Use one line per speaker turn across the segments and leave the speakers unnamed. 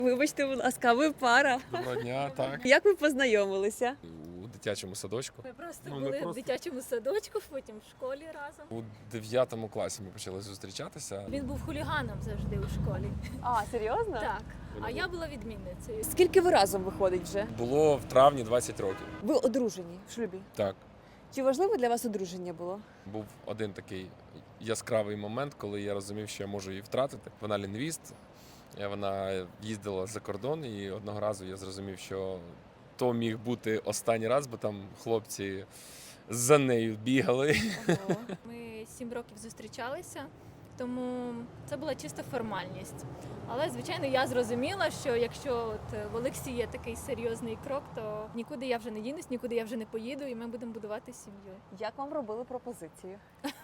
Вибачте, будь ласка, ви пара.
Доброго дня, так.
Як ви познайомилися?
У дитячому садочку.
Ми просто
Ну, не
були в
просто.
дитячому садочку, потім в школі разом.
У 9 класі ми почали зустрічатися.
Він був хуліганом завжди у школі.
А, серйозно?
Так. А я була відмінницею.
Скільки ви разом виходить вже?
Було в травні 20 років.
Ви одружені в шлюбі.
Так.
Чи важливо для вас одруження було?
Був один такий яскравий момент, коли я розумів, що я можу її втратити. Вона лінгвіст, вона їздила за кордон, і одного разу я зрозумів, що то міг бути останній раз, бо там хлопці за нею бігали.
Ми 7 років зустрічалися, тому це була чиста формальність. Але, звичайно, я зрозуміла, що якщо от в Олексії є такий серйозний крок, то нікуди я вже не дінусь, нікуди я вже не поїду, і ми будемо будувати сім'ю.
Як вам робили пропозицію?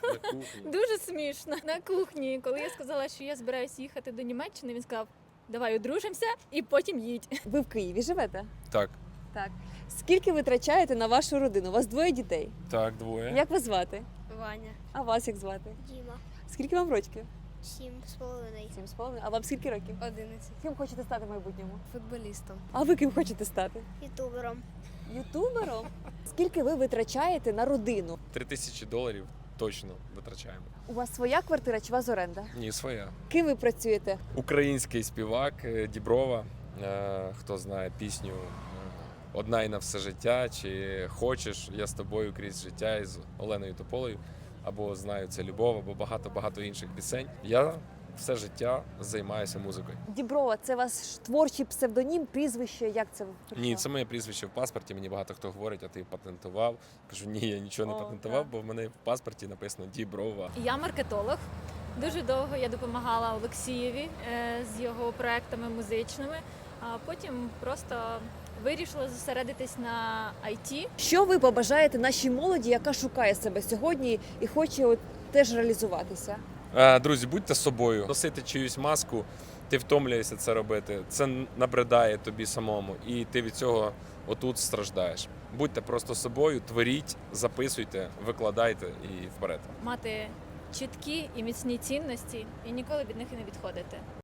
Дуже смішно. На кухні, коли я сказала, що я збираюсь їхати до Німеччини, він сказав: давай одружимося і потім їдь.
Ви в Києві живете?
Так,
Так. Скільки ви витрачаєте на вашу родину? У вас двоє дітей.
так, двоє.
Як вас звати?
Ваня,
А вас як звати?
Діма,
Скільки вам років?
7,5,
7,5. А вам скільки років?
11.
Ким хочете стати в майбутньому?
Футболістом,
А ви ким хочете стати?
ютубером.
Ютубером? Скільки ви витрачаєте на родину?
$3000 точно витрачаємо.
У вас своя квартира чи у вас оренда?
Ні, своя.
Ким ви працюєте?
Український співак Діброва. Хто знає пісню «Одна і на все життя» чи «Хочеш, я з тобою крізь життя» із Оленою Тополею, або «Знаю, це любов», або багато інших пісень. Я все життя займаюся музикою.
Діброва, це ваш творчий псевдонім, прізвище, як це прийшло?
Ні, це моє прізвище в паспорті. Мені багато хто говорить, а ти патентував. Кажу, ні, я нічого не
О,
патентував,
так.
бо в мене в паспорті написано Діброва.
Я маркетолог. Дуже довго я допомагала Олексієві з його проектами музичними, а потім просто вирішила зосередитись на IT.
Що ви побажаєте нашій молоді, яка шукає себе сьогодні і хоче теж реалізуватися?
Друзі, будьте собою. Носити чиюсь маску, ти втомлюєшся це робити. Це набридає тобі самому, і ти від цього отут страждаєш. Будьте просто собою, творіть, записуйте, викладайте і вперед.
Мати чіткі і міцні цінності і ніколи від них і не відходити.